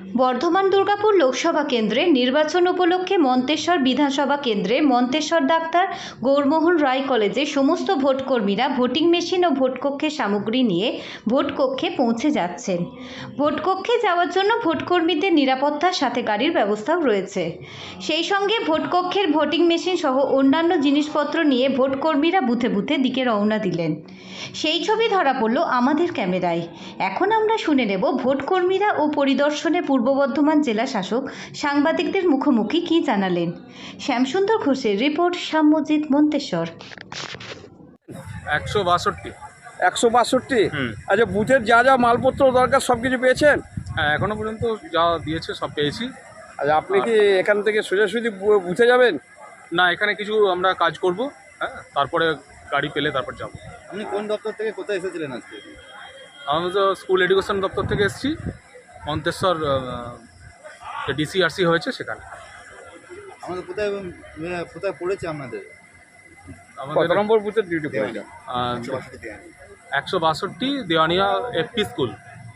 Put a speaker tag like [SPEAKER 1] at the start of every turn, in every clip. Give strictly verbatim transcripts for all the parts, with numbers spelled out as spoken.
[SPEAKER 1] বর্ধমান দুর্গাপুর লোকসভা কেন্দ্রে নির্বাচন উপলক্ষে মন্তেশ্বর বিধানসভা কেন্দ্রে মন্তেশ্বর ডাক্তার গৌরমোহন রায় কলেজে সমস্ত ভোটকর্মীরা ভোটিং মেশিন ও ভোটকক্ষের সামগ্রী নিয়ে ভোটকক্ষে পৌঁছে যাচ্ছেন। ভোটকক্ষে যাওয়ার জন্য ভোটকর্মীদের নিরাপত্তার সাথে গাড়ির ব্যবস্থাও রয়েছে। সেই সঙ্গে ভোটকক্ষের ভোটিং মেশিন সহ অন্যান্য জিনিসপত্র নিয়ে ভোটকর্মীরা বুথে বুথে দিকে রওনা দিলেন। সেই ছবি ধরা পড়ল আমাদের ক্যামেরায়। এখন আমরা শুনে নেব ভোটকর্মীরা ও পরিদর্শনে পূর্ব বর্ধমান জেলা শাসক সাংবাদিকদের মুখোমুখি কি জানালেন। শ্যামসুন্দর ঘোষের রিপোর্ট, শ্যামজিৎ, মন্তেশ্বর।
[SPEAKER 2] একশো বাষট্টি
[SPEAKER 3] একশো বাষট্টি
[SPEAKER 2] হুম
[SPEAKER 3] আচ্ছা, বুথের যা যা মালপত্র দরকার সব কিছু পেয়েছেন?
[SPEAKER 2] হ্যাঁ, এখনো পর্যন্ত যা দিয়েছে সব পেয়েছি।
[SPEAKER 3] আচ্ছা, আপনি কি এখান থেকে সোজাসুজি বু- বুথে যাবেন?
[SPEAKER 2] না, এখানে কিছু আমরা কাজ করব, হ্যাঁ, তারপরে গাড়ি পেলে তারপর যাব।
[SPEAKER 4] আপনি কোন দপ্তর থেকে কোথায় এসেছিলেন আজকে?
[SPEAKER 2] আমরা তো স্কুল এডুকেশন দপ্তর থেকে এসেছি, মন্তেশ্বর ডিসিআরসি হয়েছে সেখানে।
[SPEAKER 4] আমাদের কোথায় আহ, কোথায় পড়েছে আপনাদের?
[SPEAKER 3] কত
[SPEAKER 2] আমাদের
[SPEAKER 3] নম্বর বুথের ডিউটি পড়েছে?
[SPEAKER 2] একশো বাষট্টি দেওয়ানিয়া এফপি স্কুল।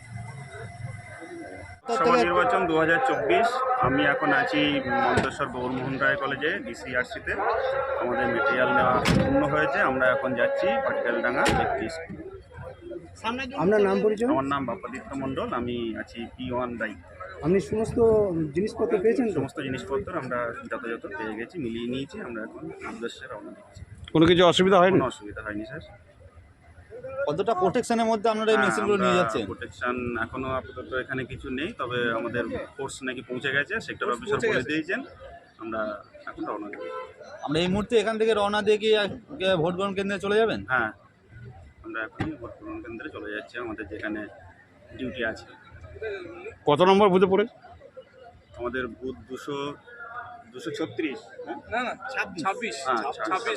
[SPEAKER 5] লোকসভা নির্বাচন দু হাজার চব্বিশ। আমি এখন আছি মন্তেশ্বর গৌরমোহন রায় কলেজে ডিসিআরসিতে। আমাদের মেটেরিয়াল নেওয়া পূর্ণ হয়েছে। আমরা এখন যাচ্ছি পাটিয়ালডাঙ্গা একটি স্কুল।
[SPEAKER 6] আপনার নাম পরিচয়?
[SPEAKER 5] আমার নাম বাপাদিত্য মণ্ডল, আমি আছি পি ওয়ান দায়ী।
[SPEAKER 6] আপনি সমস্ত জিনিসপত্র পেয়েছেন তো?
[SPEAKER 5] সমস্ত জিনিসপত্র আমরা যথাযথ পেয়ে গেছি, মিলিয়ে নিয়েছি। আমরা এখন উদ্দেশ্যে রওনা দিচ্ছি।
[SPEAKER 3] কোনো কিছু অসুবিধা হয়নি?
[SPEAKER 5] কোনো অসুবিধা হয়নি স্যার।
[SPEAKER 4] কতটা প্রোটেকশনের মধ্যে আপনারা এই মেশিনগুলো নিয়ে যাচ্ছেন?
[SPEAKER 5] প্রোটেকশন এখনো আপাতত এখানে কিছু নেই, তবে আমাদের ফোর্স নাকি পৌঁছে গেছে, সেক্টর অফিসার বলে দিয়েছেন। আমরা এখন রওনা দেব।
[SPEAKER 4] আমরা এই মুহূর্তে এখান থেকে রওনা দিয়ে কি আহ, ভোট গ্রহণ কেন্দ্রে চলে যাবেন?
[SPEAKER 5] হ্যাঁ, আমরা এখনই ভোট গ্রহণ কেন্দ্রে চলে যাচ্ছি, আমাদের যেখানে ডিউটি আছে।
[SPEAKER 3] কত নম্বর বুথে পড়েছে?
[SPEAKER 5] আমাদের বুথ দুশো দুশো ছত্রিশ।
[SPEAKER 2] না না ছাব্বিশ
[SPEAKER 5] হ্যাঁ,
[SPEAKER 2] ছাব্বিশ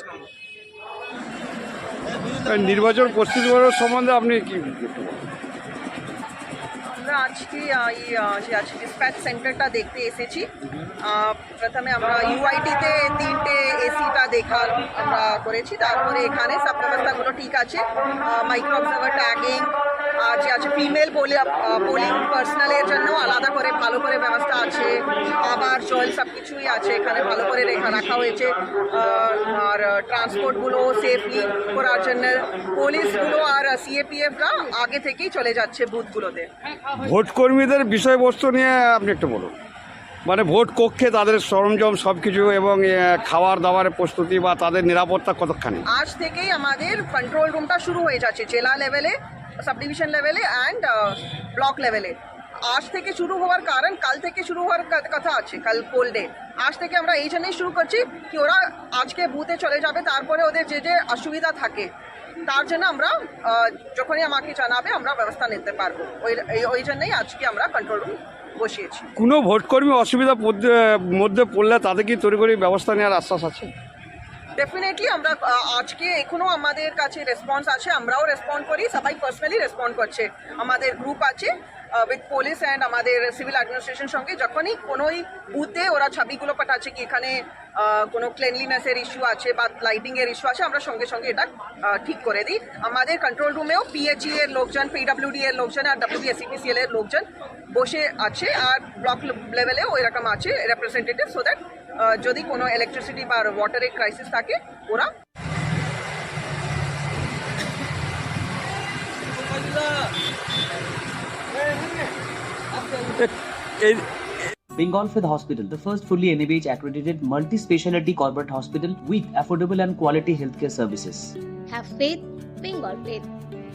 [SPEAKER 3] এই নির্বাচন প্রস্তুতি সম্বন্ধে আপনি কি বলতে পারেন?
[SPEAKER 7] আমরা আজকে আহ, এই আহ, যে আজকে ডিসপ্যাচ সেন্টারটা দেখতে এসেছি। আহ, প্রথমে আমরা ইউআইটিতে তিনটে এসিটা দেখার আমরা করেছি, তারপরে এখানে সব ব্যবস্থাগুলো ঠিক আছে। মাইক্রো অবজার্ভার ট্যাগিং আর যে আছে ফিমেল পোলিং পার্সোনালের জন্য আলাদা করে ভালো করে ব্যবস্থা আছে। আবার জল সব কিছুই আছে এখানে, ভালো করে রেখা রাখা হয়েছে। আহ, আর ট্রান্সপোর্টগুলো সেফলি করার জন্য পুলিশগুলো আর সিএপিএফরা আগে থেকেই চলে যাচ্ছে বুথগুলোতে।
[SPEAKER 3] ভোটকর্মীদের বিষয়বস্তু নিয়ে আপনি একটু বলুন। মানে ভোট কক্ষে তাদের সরঞ্জাম সব কিছু এবং এ, খাবার দাবারের প্রস্তুতি বা তাদের নিরাপত্তা কতখানি?
[SPEAKER 7] আজ থেকেই আমাদের কন্ট্রোল রুমটা শুরু হয়ে যাচ্ছে জেলা লেভেলে, সাব ডিভিশন লেভেলে অ্যান্ড ব্লক লেভেলে। আজ থেকে শুরু হওয়ার কারণ কাল থেকে শুরু হওয়ার কা- কথা আছে, কাল কোল ডে। আজ থেকে আমরা এই জন্যই শুরু করছি কি ওরা আজকে বুথে চলে যাবে, তারপরে ওদের যে যে অসুবিধা থাকে তার জন্য আমরা আহ, যখনই আমাকে জানাবে আমরা ব্যবস্থা নিতে পারবো। ওই এই- ওই জন্যই আজকে আমরা কন্ট্রোল রুম বসিয়েছি।
[SPEAKER 3] কোনো ভোটকর্মী অসুবিধা পড়তে- মধ্যে পড়লে তাদের কি তড়িঘড়ি ব্যবস্থা নেওয়ার আশ্বাস আছে?
[SPEAKER 7] ডেফিনেটলি আমরা আহ, আজকে এখনো আমাদের কাছে রেসপন্স আছে, আমরাও রেসপন্ড করি, সবাই পার্সোনালি রেসপন্ড করছে। আমাদের গ্রুপ আছে উইথ পুলিশ অ্যান্ড আমাদের সিভিল অ্যাডমিনিস্ট্রেশন সঙ্গে। যখনই কোনোই বুথে ওরা ছবিগুলো পাঠাচ্ছে কি এখানে আহ, কোনো ক্লিনলিনেসের ইস্যু আছে বা লাইটিংয়ের ইস্যু আছে, আমরা সঙ্গে সঙ্গে এটা আহ, ঠিক করে দিই। আমাদের কন্ট্রোল রুমেও পিএইচই এর লোকজন, পিডব্লিউডি এর লোকজন আর ডব্লিউবিএসিপিসিএল এর লোকজন বসে আছে, আর ব্লক লেভেলেও এরকম আছে রেপ্রেজেন্টেটিভ, সো দ্যাট যদি কোনো ইলেকট্রিসিটি বা ওয়াটারের ক্রাইসিস থাকে ওরা
[SPEAKER 3] এই
[SPEAKER 8] Bengal Fifth Hospital, the first fully N A B H accredited multi-speciality corporate hospital with affordable and quality healthcare services.
[SPEAKER 9] Have faith, Bengal faith.